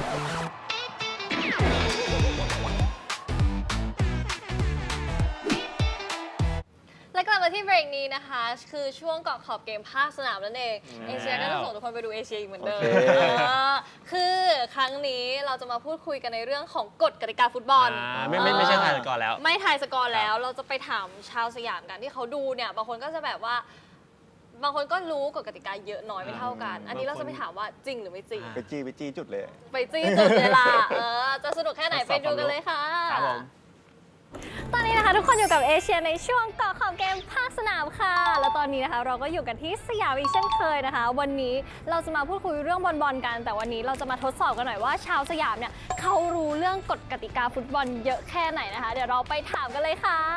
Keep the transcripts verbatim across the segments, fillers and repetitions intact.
และกลับมาที่เบรกนี้นะคะคือช่วงเกาะขอบเกมภาคสนามนั่นเองเอเชียก็จะส่งทุกคนไปดูเอเชียอีกเหมือนเดิมคือครั้งนี้เราจะมาพูดคุยกันในเรื่องของกฎกติกาฟุตบอลไม่ไม่ไม่ใช่ทายสกอร์แล้วไม่ทายสกอร์แล้วเราจะไปถามชาวสยามกันที่เขาดูเนี่ยบางคนก็จะแบบว่าบางคนก็รู้กฎกติกาเยอะน้อยไม่เท่ากันอันนี้เราจะไปถามว่าจริงหรือไม่จริงไปจี้ไปจี้จุดเลยไปจี้จุดเวลาเออจะสนุกแค่ไหนไปดูกันเลยค่ะครับผมตอนนี้นะคะทุกคนอยู่กับเอเชียในช่วงเกาะขอบเกมภาคสนามค่ะแล้วตอนนี้นะคะเราก็อยู่กันที่สยามอีกเช่นเคยนะคะวันนี้เราจะมาพูดคุยเรื่องบอลๆกันแต่วันนี้เราจะมาทดสอบกันหน่อยว่าชาวสยามเนี่ยเขารู้เรื่องกฎกติกาฟุตบอลเยอะแค่ไหนนะคะเดี๋ยวเราไปถามกันเลยค่ะ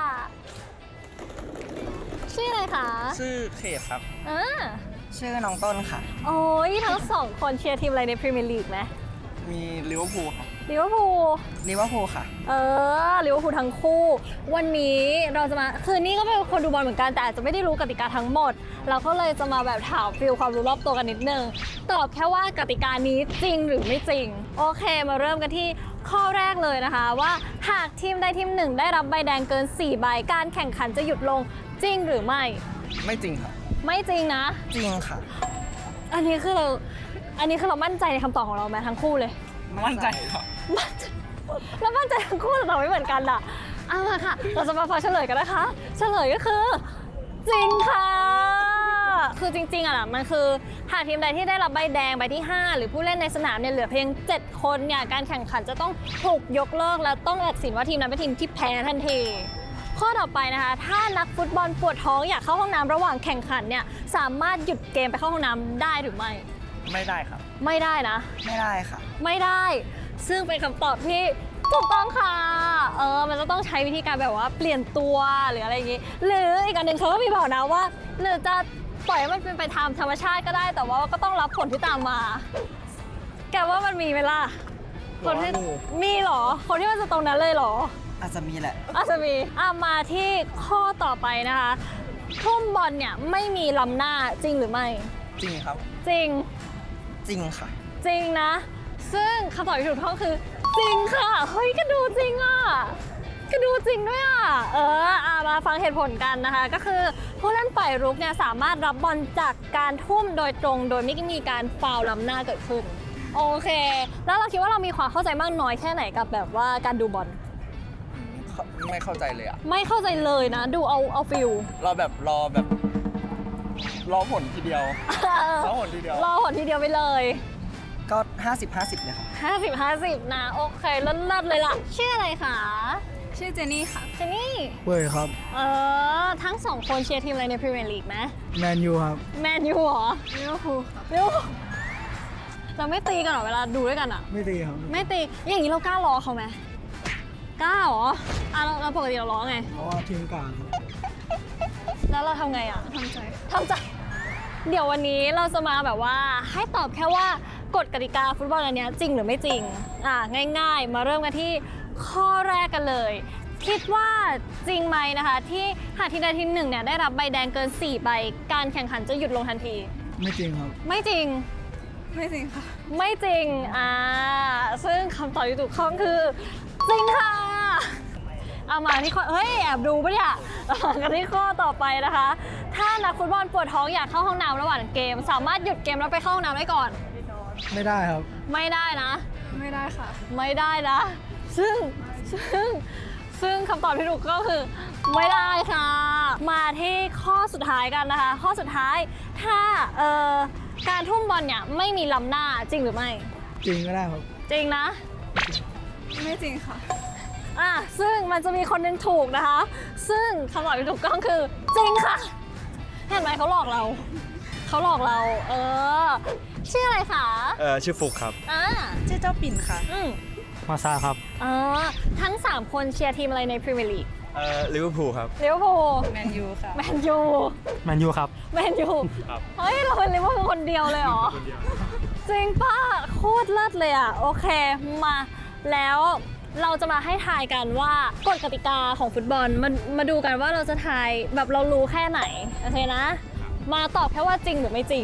ชื่ออะไรคะชื่อเขตครับอ่าชื่อน้องต้นค่ะโอ้ยทั้งสองคนเชียร์ทีมอะไรในพรีเมียร์ลีกไหมมีลิเวอร์พูลครับลิเวอร์พูลลิเวอร์พูลค่ะเออลิเวอร์พูลทั้งคู่วันนี้เราจะมาคือนี่ก็เป็นคนดูบอลเหมือนกันแต่อาจจะไม่ได้รู้กติกาทั้งหมดเราก็เลยจะมาแบบถามฟีลความรู้รอบตัวกันนิดนึงตอบแค่ว่ากติกานี้จริงหรือไม่จริงโอเคมาเริ่มกันที่ข้อแรกเลยนะคะว่าหากทีมใดทีมหนึ่งได้รับใบแดงเกินสี่ใบการแข่งขันจะหยุดลงจริงหรือไม่ไม่จริงค่ะไม่จริงนะจริงค่ะอันนี้คือเราอันนี้คือเรามั่นใจในคำตอบของเราไหมทั้งคู่เลยมั่นใจครับแล้วมั่นใจทั้งคู่แต่ตอบไม่เหมือนกันอ่ะเอาล่ะค่ะเราจะมาฟังเฉลยกันนะคะเฉลยก็คือจริงค่ะคือจริงๆอ่ะมันคือหากทีมใดที่ได้รับใบแดงใบที่ห้าหรือผู้เล่นในสนามเนี่ยเหลือเพียงเจ็ดคนเนี่ยการแข่งขันจะต้องถูกยกเลิกและต้องตัดสินว่าทีมนั้นเป็นทีมที่แพ้ทันทีข้อต่อไปนะคะถ้านักฟุตบอลปวดท้องอยากเข้าห้องน้ำระหว่างแข่งขันเนี่ยสามารถหยุดเกมไปเข้าห้องน้ำได้หรือไม่ไม่ได้ครับไม่ได้นะไม่ได้ค่ะไม่ได้ซึ่งเป็นคำตอบที่ถูกต้องค่ะเออมันจะต้องใช้วิธีการแบบว่าเปลี่ยนตัวหรืออะไรอย่างงี้หรืออีกอันหนึ่งเขาก็มีบอกนะว่าหรือจะปล่อยให้มันเป็นไปตามธรรมชาติก็ได้แต่ว่าก็ต้องรับผลที่ตามมาแกว่ามันมีไหมล่ะคนที่มีหรอคนที่มันจะตรงนั้นเลยหรออาจจะมีแหละอาจจะมีอ่ะมาที่ข้อต่อไปนะคะทุ่มบอลเนี่ยไม่มีล้ำหน้าจริงหรือไม่จริงครับจริงจริงค่ะจริงนะซึ่งคำตอบที่ถูกต้องคือจริงค่ะเฮ้ยก็ดูจริงอ่ะก็ดูจริงด้วยอ่ะเอออ่ะมาฟังเหตุผลกันนะคะก็คือผู้เล่นฝ่ายรุกเนี่ยสามารถรับบอลจากการทุ่มโดยตรงโดยไม่มีการฟาวล์ล้ำหน้าเกิดขึ้นโอเคแล้วเราคิดว่าเรามีความเข้าใจมากน้อยแค่ไหนกับแบบว่าการดูบอลไม่เข้าใจเลยอ่ะไม่เข้าใจเลยนะดูเอาเอาฟิลรอแบบรอแบบรอผลทีเดียวรอผลทีเดียวรอผลทีเดียวไปเลยก็ห้าสิบ ห้าสิบเลยครับห้าสิบ ห้าสิบนะโอเคเลิศๆเลยล่ะชื่ออะไรคะชื่อเจนนี่ค่ะเจนนี่เว้ยครับเออทั้งสองคนเชียร์ทีมอะไรในพรีเมียร์ลีกไหมแมนยูครับแมนยูเหรอลิเวอร์พูลครับลิเวอร์พูลเราไม่ตีกันหรอเวลาดูด้วยกันอ่ะไม่ตีครับไม่ตีอย่างนี้เรากล้าล้อเขาไหมกล้าเหรออ่ะเราเราปกติเราล้อไงเพราะว่าทีมกลางแล้วเราทำไงอ่ะทำใจทำใจเดี๋ยววันนี้เราจะมาแบบว่าให้ตอบแค่ว่ากฎกติกาฟุตบอลอันนี้จริงหรือไม่จริงอ่ะง่ายๆมาเริ่มกันที่ข้อแรกกันเลยคิดว่าจริงไหมนะคะที่หากทีมใดทีมหนึ่งเนี่ยได้รับใบแดงเกินสี่ใบการแข่งขันจะหยุดลงทันทีไม่จริงครับไม่จริงไม่จริงค่ะไม่จริงอ่าซึ่งคำตอบที่ถูกต้องคือจริงค่ะเอามาที่ข้อเฮ้ยแอบดูปะเนี่ยกันที่ข้อต่อไปนะคะถ้านักฟุตบอลปวดท้องอยากเข้าห้องน้ำระหว่างเกมสามารถหยุดเกมแล้วไปเข้าห้องน้ำได้ก่อนไม่ได้ครับไม่ได้นะไม่ได้ค่ะไม่ได้นะซึ่งซึ่งซึ่งคำตอบที่ถูกก็คือไม่ได้ค่ะมาที่ข้อสุดท้ายกันนะคะข้อสุดท้ายถ้าเอ่อการทุ่มบอลเนี่ยไม่มีล้ำหน้าจริงหรือไม่จริงก็ได้ครับจริงนะไม่จริงค่ะอ่ะซึ่งมันจะมีคนหนึ่งถูกนะคะซึ่งคำตอบที่ถูกต้องคือจริงค่ะเห็นไหมเขาหลอกเราเขาหลอกเราเออชื่ออะไรคะเออชื่อฟุกครับอ่าชื่อเจ้าปิ่นค่ะอืมมาซาครับอ๋อทั้งสามคนเชียร์ทีมอะไรในพรีเมียร์ลีกเอ่อลิเวอร์พูลครับลิเวอร์พูลแมนยูค่ะแมนยูแมนยูครับแมนยูครับเฮ้ยเราเป็นลิเวอร์พูลคนเดียวเลยเหรอจริงป่ะโคตรเลิศเลยอ่ะโอเคมาแล้วเราจะมาให้ทายกันว่ากฎกติกาของฟุตบอลมามาดูกันว่าเราจะทายแบบเรารู้แค่ไหนโอเคนะมาตอบแค่ว่าจริงหรือไม่จริง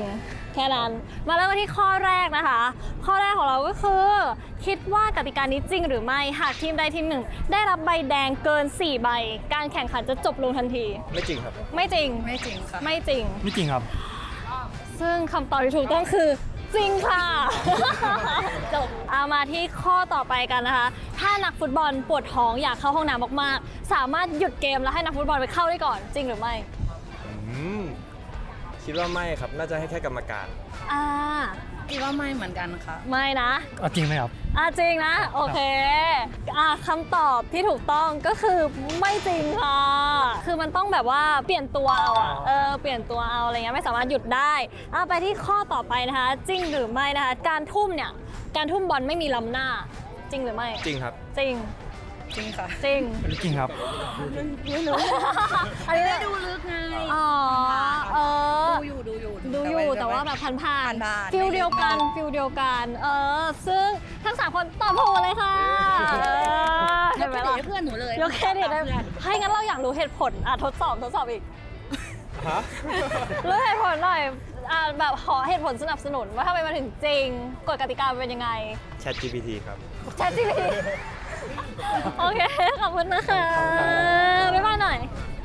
แค่นั้นมาเริ่มกันที่ข้อแรกนะคะ ข้อแรกของเราก็คือ คิดว่ากติกานี้จริงหรือไม่หากทีมใดทีมหนึ่ง ได้รับใบแดงเกินสี่ใบ การแข่งขันจะจบลงทันทีไม่จริงครับไม่จริงไม่จริงค่ะไม่จริงไม่จริงครับซึ่งคำตอบที่ถูกต้องคือจริงค่ะ จบเอามาที่ข้อต่อไปกันนะคะ ถ้านักฟุตบอลปวดท้องอยากเข้าห้องน้ำมากๆ สามารถหยุดเกมแล้วให้นักฟุตบอลไปเข้าได้ก่อน จริงหรือไม่อืม คิดว่าไม่ครับ น่าจะให้แค่กรรมการอ่าคิดว่าไม่เหมือนกันค่ะไม่นะเอาจริงไหมครับอ่าจริงนะ โอเคอ่าคำตอบที่ถูกต้องก็คือไม่จริงค่ะ คือมันต้องแบบว่าเปลี่ยนตัวเอาอะเออเปลี่ยนตัวเอาอะไรเงี้ยไม่สามารถหยุดได้เอาไปที่ข้อต่อไปนะคะ จริงหรือไม่นะคะ การทุ่มเนี่ยการทุ่มบอลไม่มีล้ำหน้า จริงหรือไม่จริงครับจริงจริงค่ะจริงไม่จริงครับไม่รู้ อันนี้ไม่ได้ดูลึกไงอ๋อเออดูอยู่ดูอยู่ดูอยู่แต่ว่าแบบผ่านผ่านผ่านๆฟิลเดียวกันไม่ฟิลเดียวกัน เออ ซึ่งทั้งสามคนตอบถูกเลยค่ะเออย เห็นกไหมเครดิตล่ะให้เพื่อนหนูเลยยกเครดิตให้ให้งั้นเราอยากรู้เหตุผลอ่ะทดสอบทดสอบอีกฮะรู้เหตุผลหน่อยอ่ะแบบขอเหตุผลสนับสนุนว่าทำไมมาถึงจริงกฎกติกาเป็นยังไง Chat จี พี ที ครับแชทจีพีโอเค ขอบคุณนะคะบ๊ายบายหน่อย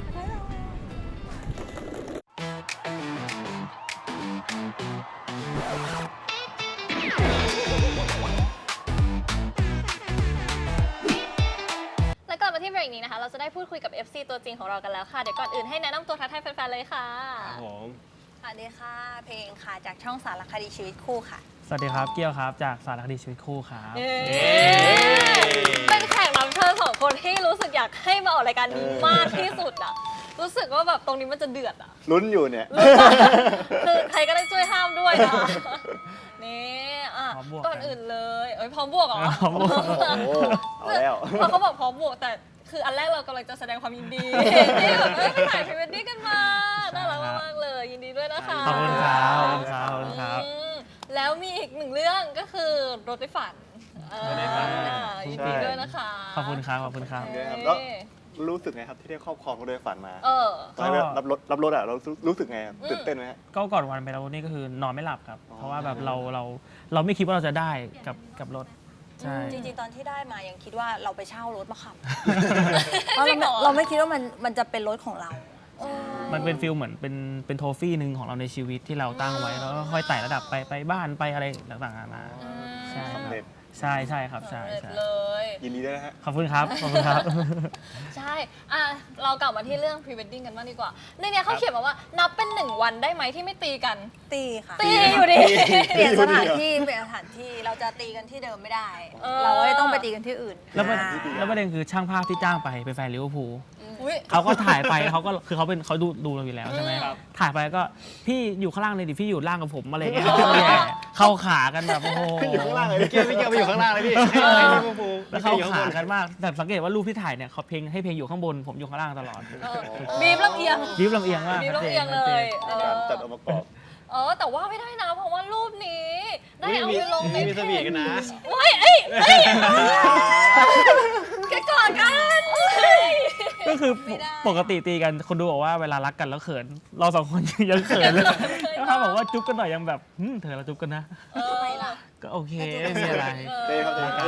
และก่อนมาที่เบรกนี้นะคะ เราจะได้พูดคุยกับ เอฟ ซี ตัวจริงของเรากันแล้วค่ะ เดี๋ยวก่อนอื่นให้แนะนำตัวทักทายแฟนๆ เลยค่ะครับผมสวัสดีค่ะ เพลงค่ะ จากช่องสารคดีชีวิตคู่ค่ะสวัสดีครับ เกี้ยวครับ จากสารคดีชีวิตคู่ครับเย้เป็นแขกรับเชิญสองคนที่รู้สึกอยากให้มาออกรายการนี้มากที่สุดอะรู้สึกว่าแบบตรงนี้มันจะเดือดอะลุ้นอยู่เนี่ยคือใครก็ได้ช่วยห้ามด้วยนะ นี่อ่ะพร้อมบวกก่อนอื่นเลยเอ้ยพร้อมบวกเหรอพร้อมบวกโอ้เอาแล้วพอเขาบอกพร้อมบวกแต่คืออันแรกเรากำลังจะแสดงความยินดีที่แบบเอ้ยไปถ่ายพรีเวดดิ้งกันมาน่ารักมากๆเลยยินดีด้วยนะคะขอบคุณครับขอบคุณครับขอบคุณครับอืมแล้วมีอีกหนึ่งเรื่องก็คือรถไฟฝันเออรถไฟฝันยินดีด้วยนะคะขอบคุณครับ ขอบคุณครับเนี่ยครับแล้วรู้สึกไงครับที่ได้ครอบครองรถโดยฝันมาเออตอนแรกรับรถรับรถอ่ะเรารู้สึกไงครับอืมตื่นเต้นไหมฮะก็ก่อนวันไปแล้วนี่ก็คือนอนไม่หลับครับอ๋อเพราะว่าแบบเราเราเราไม่คิดว่าเราจะได้กับกับรถ ใช่จริงๆ ตอนที่ได้มายังคิดว่าเราไปเช่ารถมาขับจริงเหรอเราไม่คิดว่ามันมันจะเป็นรถของเรามันเป็นฟิลเหมือนเป็นเป็นโทฟี่หนึ่งของเราในชีวิตที่เราตั้งไว้ แล้วก็ค่อยไต่ระดับไปไปบ้านไปอะไรต่างๆนานาใช่คสำรับเร็จใช่ใช่ครับใช่สำเร็จใช่เลยยินดีด้วยนะฮะขอบคุณครับ ขอบคุณครับใช่ อ่ะ เรากลับมาที่เรื่องพรีเวดดิ้งกันบ้างดีกว่า ในเนี้ยเขาเขียนมาว่านับเป็นหนึ่งวันได้ไหมที่ไม่ตีกันตีค่ะตีอยู่ดีเปลี่ยนสถานที่เปลี่ยนสถานที่เราจะตีกันที่เดิมไม่ได้เออเราก็เลยต้องไปตีกันที่อื่นแล้วประอ่าแล้วประเด็นคือช่างภาพที่จ้างไปเป็นแฟนลิเวอร์พูลอุ๊ยเขาก็ถ่ายไปเขาก็คือเขาเป็นเขาดูดูเราอยู่แล้วใช่ไหมครับถ่ายไปก็พี่อยู่ข้างล่างเลยดิพี่อยู่ล่างกับผมอะไรเงี้ยแย่เข้าขากันแบบโอ้โหอยู่ข้างล่างเลยพี่เกียวพี่เกียวไปอยู่ข้างล่างเลยพี่เออให้ลิเวอร์พูลแล้วเข้าขากันมากแต่สังเกตว่ารูปที่ถ่ายเนี่ยเขาเพลงให้เพลงอยู่ข้างบนผมอยู่ข้างล่างตลอดเออบีบลำเอียงวิวลำเอียงมากบีบชัดลำจนเอียงเลย เอการอจัดองค์ประกอบเออ แต่ว่าไม่ได้นะ เพราะว่ารูปนี้ ได้เอามีไปลงในมีสวีทกันนะเฮ้ยเอ้ยเอ้ยแกกอดกันเฮ้ยก็คือปกติตีกันคนดูบอกว่าเวลารักกันแล้วเขิน เราสองคนยังเขินเลยแล้วถ้าบอกว่าจุ๊บกันหน่อยยังแบบหึเธอเราจุ๊บกันนะเออก็โอเคไม่มีอะไรเต้ครับเต้ครับ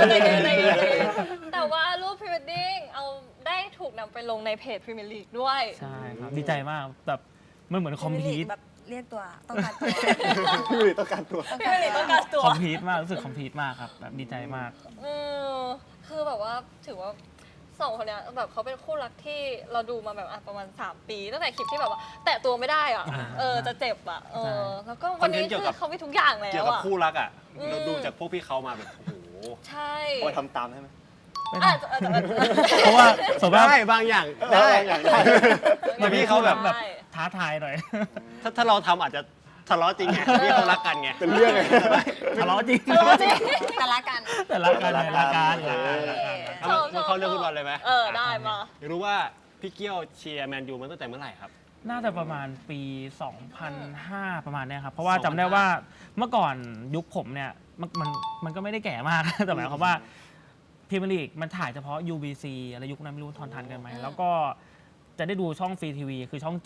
แต่ว่ารูปพรีเวดดิ้งเอาได้ถูกนำไปลงในเพจพรีเมียร์ลีกด้วยใช่ครับดีใจมากแบบมันเหมือนคอมพีทแบบเรียกตัวต้องการตัวพี่วิลลี่ต้องการตัวพรีเมียร์ลีกต้องการตัวคอมพีทมากรู้สึกคอมพีทมากครับแบบดีใจมากเออคือแบบว่าถือว่าสองคนเนี้ยแบบเขาเป็นคู่รักที่เราดูมาแบบอ่ะประมาณสามปีตั้งแต่คลิปที่แบบว่า แตะตัวไม่ได้อ่ะอ่าเออจะเจ็บอ่ะเอใช่อแล้วก็วันนี้คอนเทนต์เกี่คืยวกัอบ เขามีทุกอย่างแล้เกี่ยววกับอ่ะคู่รักอ่ะอืมเราดูจากพวกพี่เขามาแบบ โอ้โหใช่เอาไปทำตามได้ไหมไม่อ่ะได้แต่แต่แต่เพราะว่าสมมติว่าได้บางอย่างได้ได้อย่างได้แต่พี่เขาแบบแบบท้าทายหน่อยถ้าถ้าเราทำอาจจะทะเลาะจริงไงพี่เขารักกันไงเป็นเรื่องไงทะเลาะจริงเออจริงแต่ละกันแต่รักกันเลยรักกันรักกันรักกันเอามามาเข้าเรื่องฟุตบอลเลยไหมเออได้มาอยากรู้ว่าพี่เกี้ยวเชียร์แมนยูมาตั้งแต่เมื่อไหร่ครับน่าจะประมาณปี สองพันห้า ประมาณเนี้ยครับ เพราะว่าจำได้ว่าเมื่อก่อนยุคผมเนี่ยมันมันมันก็ไม่ได้แก่มาก แต่หมายความว่าพรีเมียร์ลีกมันถ่ายเฉพาะ ยู บี ซี อะไรยุคนั้นไม่รู้ทอนทันกันไหมอืมแล้วก็จะได้ดูช่องฟรีทีวีคือช่องเจ็ด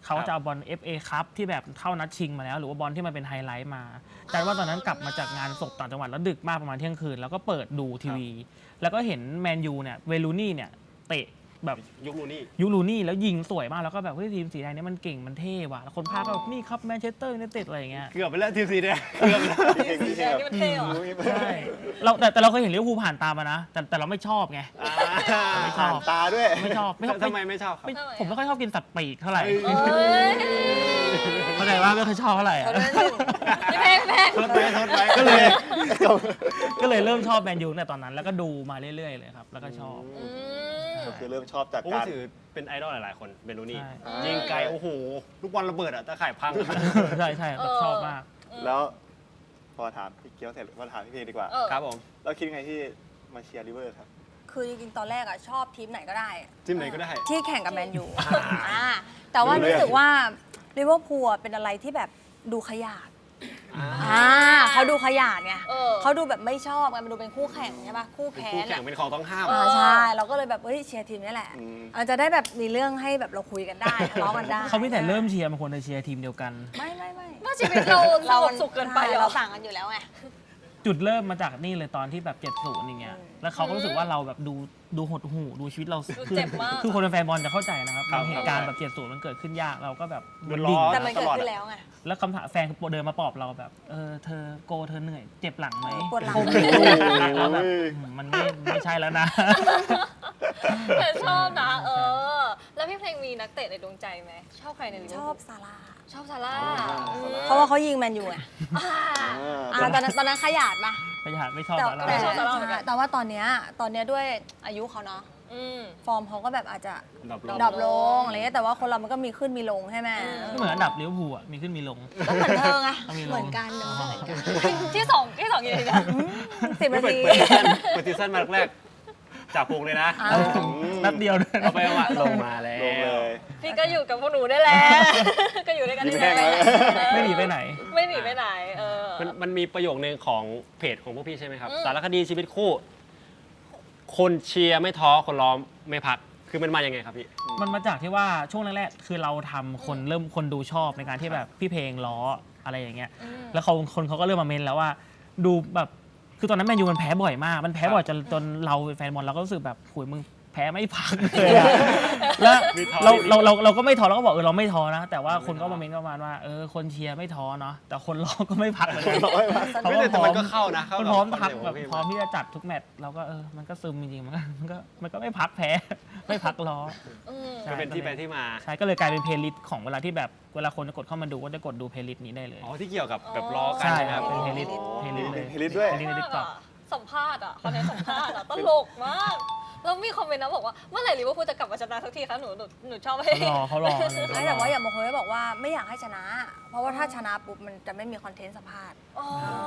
เขาจะเอาบอล เอฟ เอ Cup ที่แบบเข้านัดชิงมาแล้วหรือว่าบอลที่มันเป็นไฮไลท์มาจำว่าตอนนั้นกลับมาจากงานศพต่างจังหวัดแล้วดึกมากประมาณเที่ยงคืนแล้วก็เปิดดูทีวี แล้วก็เห็นแมนยูเนี่ยเวลูนี่เนี่ยเตะแบบยุคลูนี่ยูรูนี่แล้วยิงสวยมากแล้วก็แบบเฮ้ยทีมสีแดงเนี่ยมันเก่งมันเท่ว่ะแล้วคนพากย์ก็แบบนี่ครับแมนเชสเตอร์ยูไนเต็ดอะไรอย่างเงี้ยเกือบไปแล้วทีมสีแดงเกือบแล้วสีแดงนี่มันเท่เหรอใช่เราแต่แต่เราเคยเห็นลิเวอร์พูลผ่านตามมานะแต่แต่เราไม่ชอบไง ไม่ชอบตาด้วยไม่ชอบไม่ชอบทำไมไม่ชอบครับไม่ผมไม่ค่อยชอบกินสัตว์ปีกเท่าไหร่เอ้ยเข้าใจว่าไม่ค่อยชอบเท่าไหร่อะเขาเล่นอยู่พี่เพลงพี่เพลงทดไว้ทดไว้ก็เลยก็เลยเริ่มชอบแมนยูในตอนนั้นแล้วก็ดูมาเรื่อยๆเลยครับแล้วก็ชอบอืมคือเริ่มชอบจากผมการถือเป็นไอดอลหลายๆคนเบนูนี่ใช่ยิงไกลโอ้โหลูกบอลระเบิดอะตะข่ายพังใช่ใช่แบบชอบมากแล้วพอถามพี่เกียวเสร็จพอถามพี่เพลงดีกว่าเออครับผมแล้วคิดยังไงที่มาเชียร์ริเวอร์ครับคือจริงๆ ตอนแรกอะชอบทีมไหนก็ได้ทีมไหนก็ได้ที่แข่งกับแมนยูอ่าแต่ว่ารู้สึกว่าลิเวอร์พูลอะเป็นอะไรที่แบบดูขยาดอ่าเขาดูขยาดไงเขาดูแบบไม่ชอบไงมันดูเป็นคู่แข่งใช่ปะคู่เป็นแพ้คู่นแข่งอะเป็นของต้องห้ามอ่าใช่เราก็เลยแบบเฮ้ยเชียร์ทีมนี้แหละอืมอาจจะได้แบบมีเรื่องให้แบบเราคุยกันได้ทะเลาะกันได้เขาไม่แต่เริ่มเชียร์บางคนจะเชียร์ทีมเดียวกันไม่ไม่ไม่ว่าชีวิตเราสงบสุขเกินไปเหรอเราต่างกันอยู่แล้วไงจุดเริ่มมาจากนี่เลยตอนที่แบบเจ็ดศูนย์อย่างเงี้ย แล้วเขาก็รู้สึกว่าเราแบบดูดูหดหูดูชีวิตเราดูเจ็บมากคือคนเป็นแฟนบอลจะเข้าใจนะครับครับเหตุการณ์แบบเจ็ดศูนย์มันเกิดขึ้นยากเราก็แบบเดือดร้อนแต่มันเกิดขึ้นแล้วไงแล้วคำถามแฟนเดินมาปลอบเราแบบ เออเธอโกเธอเหนื่อยเจ็บหลังไหมปวดหลังคงไม่สู้แล้วแบบอืมมันไม่ไม่ใช่แล้วนะแต่ชอบนะ เออ แล้วพี่เพลงมีนักเตะในดวงใจไหมชอบใครในลิเวอชร์อพูบลซาร่าชอบซาร่าเพราะว่าเขายิงแมนยูไงอ่าอ่าตอนนั้นตอนนั้นขยาดปะไม่อยากไม่ชอบแต่อะไรแต่ชอบซาร่าเหมือนกันแต่ว่าตอนเนี้ยตอนเนี้ยด้วยอายุเขาเนาะอืมฟอร์มเขาก็แบบอาจจะดรอปลงดรอปลงอะไรเงี้ยแต่ว่าคนเรามันก็มีขึ้นมีลงใช่ไหมไม่เหมือนอันดับลิเวอร์พูลอะมีขึ้นมีลงก็เหมือนเธอไงต้องมีลงเหมือนกันเหมือนกันที่สองที่สองอยู่ไหนนะสิบไม่นาเปิดทีเปิดซีซั่นเปิดซีซั่นมาแรกๆจับพุงเลยนะอ้าวนัดเดียวด้วยเอาไปเอามาลงมาแล้วลงเลยพี่ก็อยู่กับพวกหนูได้แหละ ก็อยู่ด้วยกันยิ้มได้แห้งแหละแล้วไม่หนีไปไหนไม่หนีไปไหน เออมันมันมีประโยคนึงของเพจของพวกพี่ใช่ไหมครับอืมสารคดีชีวิตคู่ คนเชียร์ไม่ท้อคนล้อมไม่พักคือมันมายังไงครับพี่มันมาจากที่ว่าช่วงแรกๆ คือเราทำคนเริ่มคนดูชอบในการที่แบบพี่เพลงล้ออะไรอย่างเงี้ย แล้วเขาคนเขาก็เริ่มมาเมนแล้วว่า ดูแบบคือตอนนั้นแมนยูมันแพ้บ่อยมาก มันแพ้บ่อยจนจนเราเป็นแฟนบอลเราก็รู้สึกแบบโหุยมึงแพ้ไม่พักเลยอะแล้วมีท้อเรานิดๆเราเราเราก็ไม่ท้อเราก็บอกเออเราไม่ท้อนะ แต่ว่าคนก็มาเมนก็ประมาณว่าเออคนเชียร์ไม่ท้อเนาะแต่คนล้อก็ไม่พักเหมือนกัน เขาไม่ก็แต่พร้อมันมก็เข้านะเข้ามันกับพร้อมคอนพักเซ็ปต์ขแบองบพี่พร้อมที่จะจัดทุกแมตช์เราก็เออมันก็ซึมจริงๆมันก็มันก็มันก็ไม่พักแพ้ ไม่พักล้ออืมใช่มันเป็นที่ไปที่มาใช่ก็เลยกลายเป็นเพลย์ลิสต์ของเวลาที่แบบเวลาคนจะกดเข้ามาดูก็จะกดดูเพลย์ลิสต์นี้ได้เลยอ๋อที่เกี่ยวกับแบบล้อกันใช่ใช่ไหมคครัรับบ เป็นเพลย์ลิสต์เพลย์ลิสต์เลยเพลย์ลิสต์ด้วยเพลย์ลิสต์ในทิกตอกสัมภาษณ์อ่ะคอนเทนต์สัมภาษณ์อ่ะตลกมาก แล้วมีคอมเมนต์นะบอกว่าเมื่อไหร่ลิเวอร์พูลจะกลับมาชนะสักทีคะหนูหนูหนูชอบให้เขารอเขารอเลยไม่แต่ว่าอย่างบางคนก็บอกว่าไม่อยากให้ชนะ เพราะว่าถ้าชนะปุ๊บมันจะไม่มีคอนเทนต์สัมภาษณ์อ๋อ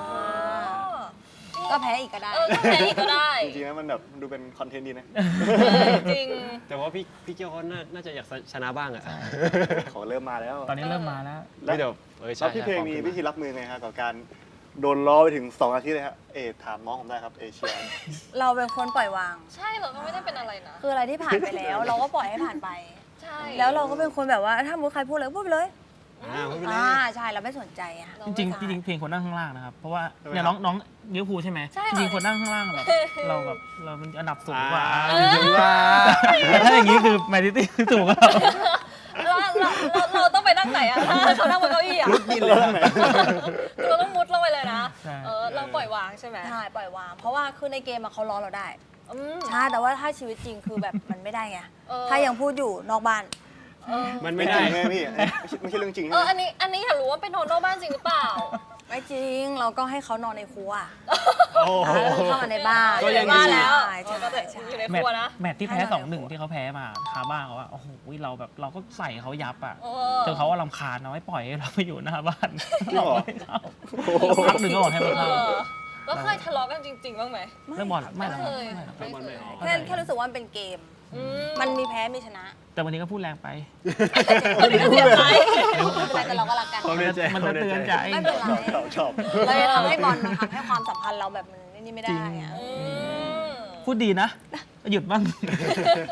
ก็แพ้อีกก็ได้เออก็แพ้อีกก็ได้จริงๆแล้วมันแบบดูเป็นคอนเทนต์ดีนะจริงแต่ว่าพี่พี่เกียวเขาน่าน่าจะอยากชนะบ้างอะเขาเริ่มมาแล้วตอนนี้เริ่มมาแล้วไม่เดี๋ยวเออใช่แล้วพี่เพลงมีวิธีรับมือไงครับกับการโดนล้อไปถึงสองอาทิตย์เลยครับเอถามน้องผมได้ครับเอเชียเราเป็นคนปล่อยวางใช่เราก็ไม่ได้เป็นอะไรนะคืออะไรที่ผ่านไปแล้ว เราก็ปล่อยให้ผ่านไปใช่แล้วเราก็เป็นคนแบบว่าถ้ามุดใครพูดอะไรก็พูดไปเลยอ่าไม่เป็นไรอ่าใช่เราไม่สนใจอ่ะจริงๆจริงๆเพลงคนนั่งข้างล่างนะครับ เพราะว่าเนี่ยน้องน้องลิเวอร์พูลใช่ไหมจริงๆคนนั่งข้างล่างแบบเราแบบเราเป็นอันดับสูงกว่าอ่าจริงๆว่าแต่ถ้าอย่างนี้คือแมนซิตี้สูงกว่าเราเราเราเราเราต้องไปนั่งไหนอะถ้าเขานั่งบนเก้าอี้อะกินเลยไหนเราต้องมุดลงไปเลยนะใช่เออเราปล่อยวางใช่ไหมใช่ปล่อยวาง เพราะว่าคือในเกมอะเขาล้อเราได้อืมใช่แต่ว่าถ้าชีวิตจริงคือแบบ มันไม่ได้ไงเออถ้ายังพูดอยู่นอกบ้านเออมันไม่ไม่ได้ได้ไงพี่ไม่ใช่ไม่ใช่เรื่องจริงเอใช่อไหมอันนี้อันนี้อยากรู้ว่าเป็นนอนนอกบ้านจริงหรือเปล่าไม่จริงเราก็ให้เขานอนในครัวโอ้โหอ่าเข้ามาในบ้านก็ยังดีบ้านแล้วใช่เออก็จะใช่อยู่ในแมคตรัวช์นะแมตช์ที่แพ้สองหนึ่งที่เขาแพ้มาคาบ้างเขาว่าโอ้โหเราแบบเราก็ใส่เขายับอ่ะเอจอนเขาว่าลำคาญเราไม่ปล่อยให้เราไปอยู่หน้าบ้านจริงเหรอไม่เข้าพักหนึ่งก็บอกให้มันเอเข้าอแล้วเคยทะเลาะกันจริงๆบ้างไหมเรื่องบอลไม่หรอกไม่เคยไม่หรอกเรื่องบอลไม่เอาแค่แค่รู้สึกว่ามันเป็นเกมอืมันมีแพ้มีชนะแต่วันนี้ก็พูดแรงไปคนนี้ก็เสียใจไม่เป็นไรแต่เราก็รักกันความในใจมันจะเตือนใจไม่เป็นไรชอบชอบเราจะทำให้บอลมันทำให้ความสัมพันธ์เราแบบมันนี่ไม่ได้อะอืมพูดดีนะ หยุดบ้าง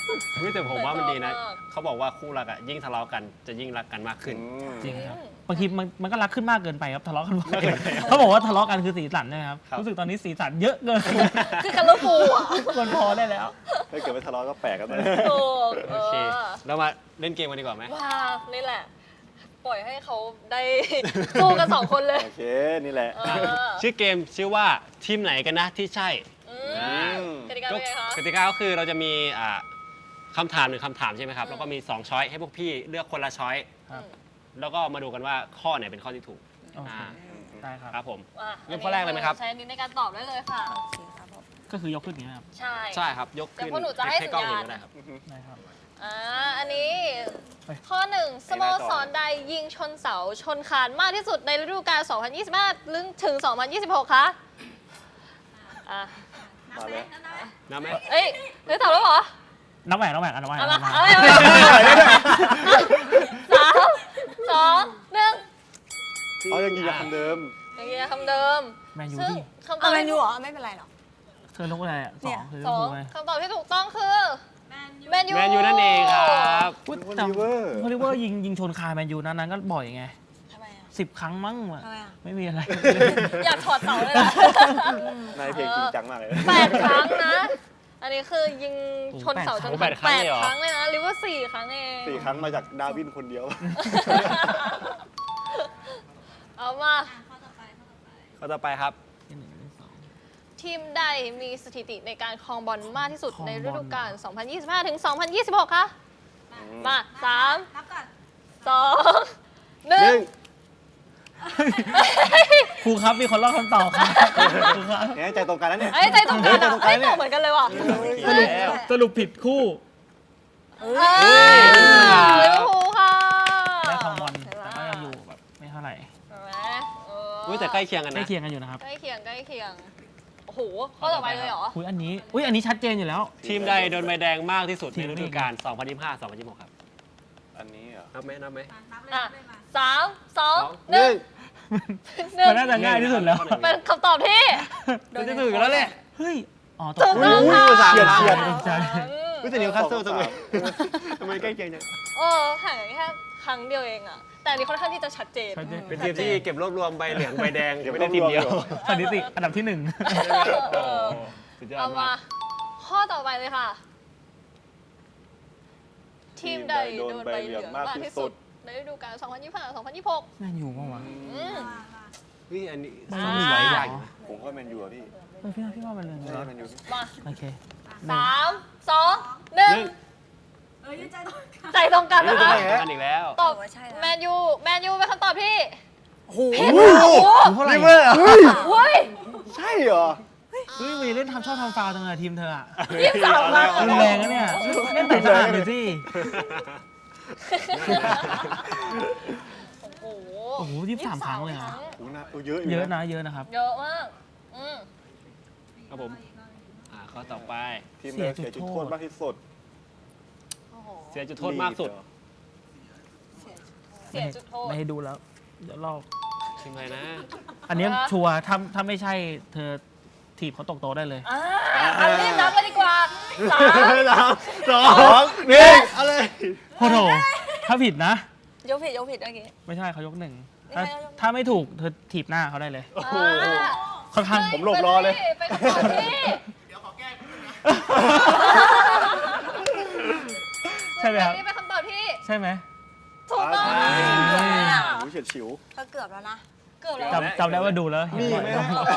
เฮ้ยแต่ผมว่ามันดีนะเหมือนตอบมากเขาบอกว่าคู่รักอะยิ่งทะเลาะกันจะยิ่งรักกันมากขึ้นจริงครับบางทีมันมันก็รักขึ้นมากเกินไปครับทะเลาะกันบ่อยเขาบอกว่าทะเลาะกันคือสีสันใช่ไหมครับครับรู้สึกตอนนี้สีสันเยอะเกินคือกันลูกฟูอ่ะควรพอได้แล้วถ้าเกิดไม่ทะเลาะก็แปลกกันไปถูกโอเคเรามาเล่นเกมกันดีกว่าไหมว้านี่แหละ ปล่อยให้เขาได้ สู้กันสองคนเลยโอเค นี่แหละเออชื่อเกมชื่อว่าทีมไหนกันนะที่ใช่อือ่ามกติกาเป็นไงคะกติกาก็คือเราจะมีอ่าคำถามหนึ่งคำถามใช่ไหมครับ แล้วก็มีสองช้อยให้พวกพี่เลือกคนละช้อยครับแล้วก็มาดูกันว่าข้อไหนเป็นข้อที่ถูกโอเคอ่าได้ครับครับผมอ่ะเริ่มข้อแรกเลยไหมครับใช้อันนี้ในการตอบได้เลยค่ะโอเคครับผมก็คือยกขึ้นอย่างนี้ครับใช่ใช่ครับ ยกขึ้นเดี๋ยวพวกหนูจะให้กล้องสัญเห็ญาณนก็ได้ครับได้ครับอ่า อันนี้เฮ้ยข้อหนึ่งสโมสรใดยิงชนเสาชนคานมากที่สุดในฤดูกาล สองพันยี่สิบห้า ถึง สองพันยี่สิบหก คะอ่ะมาเลยนับไหมเอ้ยเฮ้ยตอบแล้วเหรอนับแหวนนับแหวนอันนับแหวนเอานัมาบแหวนเอามาเอามาสามสองหนึ่งเขายังยืนยันคำเดิมอย่างเงี้ยคำเดิมแมนยูซึ่งดิคำตอเอาบแมนที่ยูเหรอ ไม่เป็นไรหรอกเธอลงอะไรอ่ะสเนี่องยคือสองถูกไหมคำตอบที่ถูกต้องคือแมนยูแมนยูนั่นเองครับอุ๊ยโอแต่ลิเวอร์โอลิเวอร์ยิงยิงชนคาแมนยูนั้นนั้นก็บ่อยไงทำไมอ่ะสิบครั้งมั้งอะทำไมอ่ะไม่มีอะไรอยากถอดเสาเลยล่ะนายเพลงจริงจังมากเลยแปดครั้งนะ อันนี้คือยิงชนเสาจนโอ้แปดครั้งเลยเหรอแปดครั้งเลยนะหรือว่าสี่ครั้งเองสี่ครั้งมาจากดาร์วินคนเดียวเอามาข้อต่อไปครับทีมใดมีสถิติในการครองบอลมากที่สุดครองบอลในฤดูกาล สองพันยี่สิบห้า ถึง สองพันยี่สิบหก คะมาสามสองหนึ่หงนึ่งครูครับมีคนลอกคำตอบครับครูครับเนี่ยใจตรงกันแล้วเนี่ยเอ้ยใจตรงกันใจอ่ะตรงกัเอ้นยเนี่ตอย บเหมือนกันเลยว่ะสรุปสรุปผิดคู่เออลิเวอร์พูลค่ะได้คองบอลแต่ก็ยังอยู่แบบไม่เท่าไหร่เห็นไหมเอออุ้ยแต่ใกล้เคียงกันใกล้นะเคียงกันอยู่นะครับใกล้เคียงใกล้เคียง โอ้โห ข้อต่อไปเลยเหรออุ้ยอันนี้อุ้ยอันนี้ชัดเจนอยู่แล้วทีมใดโดนใบแดงมากที่สุดทีในมฤดูกาล สองพันยี่สิบห้า สองพันยี่สิบหก ครับอันนี้เหรอนับไหมนับไหมอ่ะสามสองสองหนึ่งหนึ่งมันน่าจะง่ายที่สุดแล้วเป็นคำตอบที่มันจะถูกอยู่แล้วแหละเฮ้ย อ๋อตถูกกต้องค่ะสามเฉียดเฉียดใจอุ้ยแต่นิวคาสเซิลทำไมทำไมใกล้เคียงจังเออห่างกันแค่ครั้งเดียวเองอะแต่อันนี้ค่อนข้างที่จะชัดเจนชัดเจนเป็นทีมที่เก็บรวบรวมใบเหลืองใบแดงเก็บไม่ได้ทีมเดียวรวบรวมอยู่สถิติอันดับที่หนึ่งเออสุดยอเอาดมามากข้อต่อไปเลยค่ะ ทีมใดโดนใบเหลืองมากที่สุด ในฤดูกาล สองพันยี่สิบห้า สองพันยี่สิบหกแมนยูป่าวะอืมนี่อันนี้ไม่สองมีหไหวลายเหรออย่างผมก็แมนยูอะพี่เออพี่ว่าพี่ว่ามันเลยไม่ใช่แมนยูพี่มาโอเคสามสองหนึ่งใจตรงกันนี่นะจะคะได้กันอีกแล้วตอบว่าใช่นะแมนยู แมนยูเป็นคำตอบที่โอ้โหผิดค่ะโอ้โหเท่าไหร่ลิเวอร์เหรอเฮ้ยใช่เหรอเฮ้ยวีเล่นทำชอบทำฟาวล์จังเลยทีมเธออะยี่สิบสามครั้งรุนแรงนะเนี่ยเล่นแต่ตลาดเลยสิโอ้โหโอ้โหยี่สิบสามครั้งเลยนะโอ้โหน่าเออเยอะอยู่เยอะนะเยอะนะครับเยอะมาก อืมครับผมอ่าข้อต่อไปทีมเดียวเสียจุดโทษมากที่สุดโอ้โหเสียจุดโทษมากสุดเสียจุดโทษไม่ให้ดูแล้ว เดี๋ยวลอกทีมอะไรนะอันเนี้ยอ่ะชัวร์ถ้าถ้าไม่ใช่เธอถีบเขาตกโต๊ะได้เลยอ่าเอารีบนับเลยดีกว่าสามสามสองหนึ่งเอาเลยโอ้โหถ้าผิดนะยกผิดยกผิดเมื่อกี้ไม่ใช่เขายกหนึ่งไม่ถ้าใช่เขายกถ้าไม่ถูกเธอถีบหน้าเขาได้เลยโอ้โหค่อนข้างผมหลบรอเลยเป็นคำตอบที่ใช่ไหมครับเป็นคำตอบที่ใช่ไหมถูกต้องอ่าเกือบแล้วอะโอ้โหเฉียดฉิวก็เกือบแล้วนะเกือบแล้วจำจำได้ว่าดูแล้วเห็นมีบ่อยไหม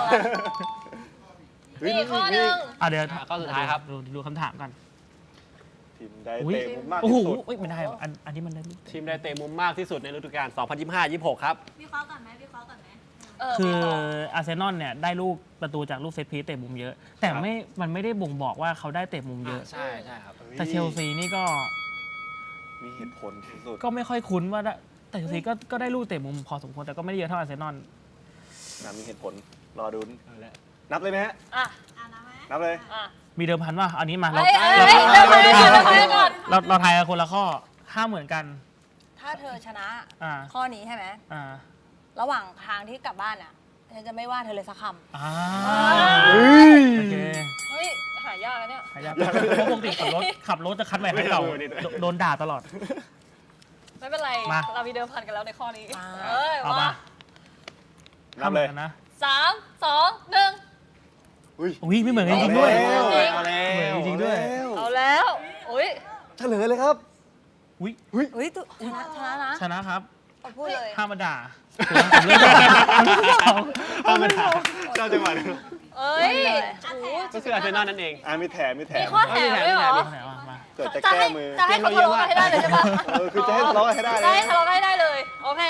มีอีกข้อหนึ่งอ่ะเดี๋ยวอ่ะข้อสุดท้ายครับดูดูคำถามกันทีมใดอุ้ยเตะมุมมากโอ้ที่โหสุดอุ๊ยไม่ได้ว่ะอันอันนี้มันได้ลูกทีมใดเตะมุมมากที่สุดในฤดูกาล สองพันยี่สิบห้า ยี่สิบหก ครับเออคือมีข้ออาร์เซนอลเนี่ยได้ลูกประตูจากลูกเซตพีซเตะมุมเยอะ แต่ไม่มันไม่ได้บ่งบอกว่าเขาได้เตะมุมเยอะใช่ใช่ครับแต่เชลซีนี่ก็มีเหตุผลที่สุดก็ไม่ค่อยคุ้นว่าได้แต่เชลซีก็ก็ได้ลูกเตะมุมพอสมควรแต่ก็ไม่ได้เยอะเท่าอาร์เซนอลนะมีเหตุผล รอดูเอาละนับเลยไหมฮะอ่ะนับเลยอ่ะมีเดิมพันว่าอันนี้มาเราเอ้ยเอ้ยเอ้ยเดี๋ยวไปก่อนเดี๋ยวไปก่อนเราเราทายกันคนละข้อห้ามเหมือนกันถ้าเธอชนะอ่าข้อนี้ใช่ไหมอ่าระหว่างทางที่กลับบ้านอ่ะฉันจะไม่ว่าเธอเลยสักคอ่าอ่าโอเคเฮ้ย หาายากนะเนี่ยหายากเพราะปกติขับรถขับรถจะคัดใหม่คันเก่าโดนด่าตลอดไม่เป็นไรมาเรามีเดิมพันกันแล้วในข้อนี้อ่าเอ้ยเอามามานับเลยทำหมือนกันนะสามสองหนึ่งอุ้ยอุ้ยไม่เหมือนกันจริงๆด้วยเอาแล้วเหมือนจริงๆด้วยเอาแล้วอุ้ยเฉลยเลยครับอุ้ยอุ้ยตุชนะชนะนะชนะครับเอาพูดเลยห้ามมาด่าผมเลือกก่อนธรรมดาชอบจังหวะนี้เอ้ยโอ้โหก็คืออาร์เซนอลนั่นเองอ่ามีแถมมีแถมีมข้อแถมด้วยเหรอไหนวะมาเกิดจะจะแก้ให้มือจะให้เขาทะเลาะกันให้ได้เลยใช่ปะเออคือจะให้ทะเลาะกันให้ได้เลยจะให้ทะเลาะกันให้ได้เลย โอเค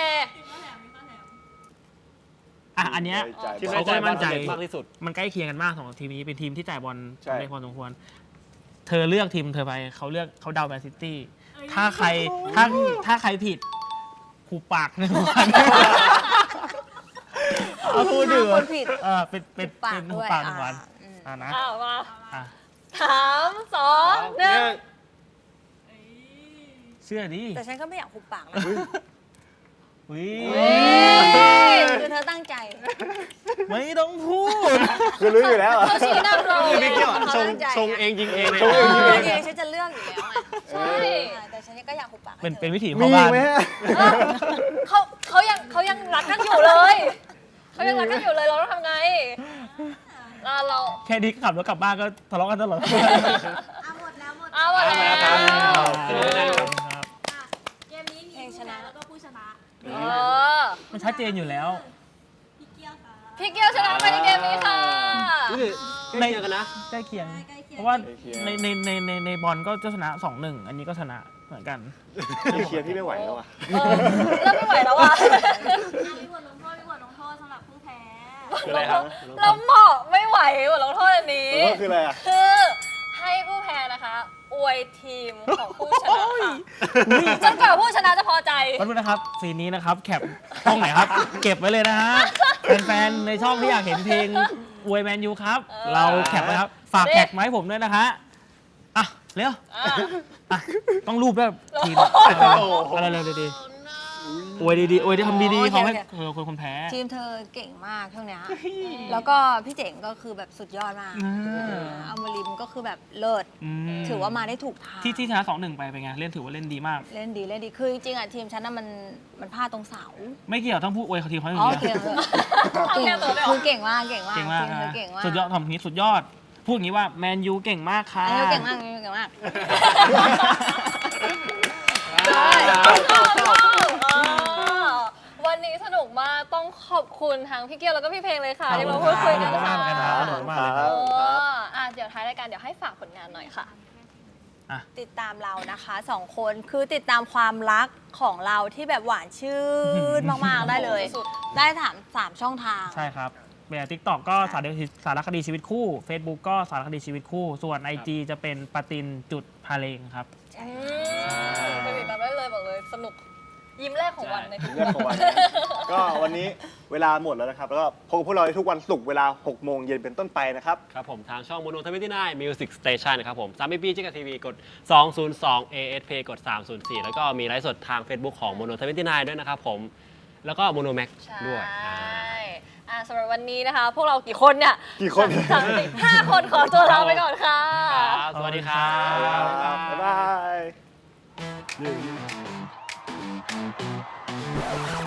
อ่ะอันเนี้ยจ่ายที่บอเขาลก็ไม่มั่นใจมากที่สุดมันใกล้เคียงกันมากสองทีมนี้เป็นทีมที่จ่ายบอลใช่ได้พอสมควร เธอเลือกทีมเธอไปเขาเลือกเขาเดาแมนซิตี้ ถ้าใครถ้าถ้าใครผิดหูปากหนึ่งวันเอาพูดดื้คนผิดเออเป็นเป็นปาเป็กนด้หูวยปากหนึ่งวันอ่าอืมอ่านะอ้าวมาอ่ะสามสองหนึ่งเชื่อดิแต่ฉันก็ไม่อยากหุบปากนะอุ้ยคือเธอตั้งใจไม่ต้องพูดคือรู้อยู่แล้วอะเขาชี้นำเราคือไม่เกี่ยวอะเขาชงตั้งใจชงเองยิงเองเลยชงเองยิงเอเออง ฉันจะเลือกอยู่แล้วไงใช่แต่ฉันก็อยากหุบปากให้เป็นธอเป็นวิถีมีพ่อบ้านไหมฮะเออเขาเขายังเขายังรักกันอยู่เลยเขายังรักกันอยู่เลยเราต้องทำไงเราเราแค่นี้ขับรถกลับบ้านก็ทะเลาะกันตลอดเอาหมดแล้วเอาหมดแล้วครับเออครับเพลงชนะเออมันชัดเจนอยู่แล้วพี่เกียวชนะไปในเกมนี้ค่ะใกล้เคียงกันนะใกล้เคียง เพราะว่าในในในในในบอลก็จะชนะสองหนึ่งอันนี้ก็ชนะเหมือนกันพี่เคลียร์พี่ไม่ไหวแล้วอ่ะเออเริ่มไม่ไหวแล้วอ่ะคืออะไรครับเราเหมาะไม่ไหวบทลงโทษอันนี้ลงโทษคืออะไรอะคือให้ผู้แพ้นะคะ อวยทีมของผู้ชนะค่ะจนกว่าผู้ชนะจะพอใจขอบคุณนะครับซีนนี้นะครับแคปช่องไหนครับ เก็บไว้เลยนะฮะแฟนๆในช่องที่อยากเห็นเพลงอวยแมนยูครับเออเราแคปไว้ครับ ฝากนี่แท็กมาให้ผมด้วยนะฮะอ่ะเร็วอ่ะอ่ะต้องรูปด้วยทีมโอ้โหอะไรเร็วดีๆอวยดีๆอวยดีทำดีๆเขาให้เออคนคนแพ้ทีมเธอเก่งมากช่วงเนี้ยแล้วก็พี่เจ๋งก็คือแบบสุดยอดมากอืมอัมริมก็คือแบบเลิศอืมถือว่ามาได้ถูกทางที่ที่ชนะสองหนึ่งไปเป็นไงเล่นถือว่าเล่นดีมากเล่นดีเล่นดี คือจริงๆอ่ะทีมฉันน่ะมันมันพลาดตรงเสาไม่เกี่ยวต้องพูดอวยเขาทีมเขาออ๋ย่างอเดียวเก่งเลยเอาเก่แค่งตัวเลยเหรอคือเก่งมากเก่งมากเก่งมากทีมเธอนะเก่งมากสุดยอดทำนี้สุดยอด พูดอย่างนี้ว่าแมนยูเก่งมากค่ะอันนี้เก่งมากอันนี้เก่งมากวันนี้สนุกมากต้องขอบคุณทั้งพี่เกียวแล้วก็พี่เพลงเลยค่ะที่มาพูดคุยกันขอบคุณค่ะมากนะครับขอบคุณมากเลยคเอรับออ่ะเดี๋ยวท้ายรายการเดี๋ยวให้ฝากผลงานหน่อยค่ะติดตามเรานะคะสองคนคือติดตามความรักของเราที่แบบหวานชื่นมากๆได้เลยสุดได้ถามสามช่องทางใช่ครับแบบทิกตอกก็สารคดีสารคดีชีวิตคู่ Facebook ก็สารคดีชีวิตคู่ ส่วน ไอ จี จะเป็นปาตินจุดพาเลงครับอืมไปติดตามได้เลยบอกเลยสนุกยิ้มแรกของวันในทุกเรื่องของวัน ก็วันนี้เวลาหมดแล้วนะครับ แล้วก็พบกับพวกเราได้ทุกวันศุกร์เวลาหกโมงเย็นเป็นต้นไปนะครับครับผมทางช่องโมโนทเวนตี้ไนน์มิวสิกสเตชันนะครับผมสามปีจิกทีวีกดสองศูนย์สอง เอ เอส พี กดสามศูนย์สี่ แล้วก็มีไลฟ์สดทาง Facebook ของโมโนทเวนตี้ไนน์ด้วยนะครับผม แล้วก็โมโนแม็กใช่ด้วยอ่าอ่ะสำหรับวันนี้นะคะ พวกเรากี่คนเนี่ยกี่คนสามสี่ห้าคนขอตัวลาไปก่อนค่ะครับสวัสดีครับบ๊ายบาย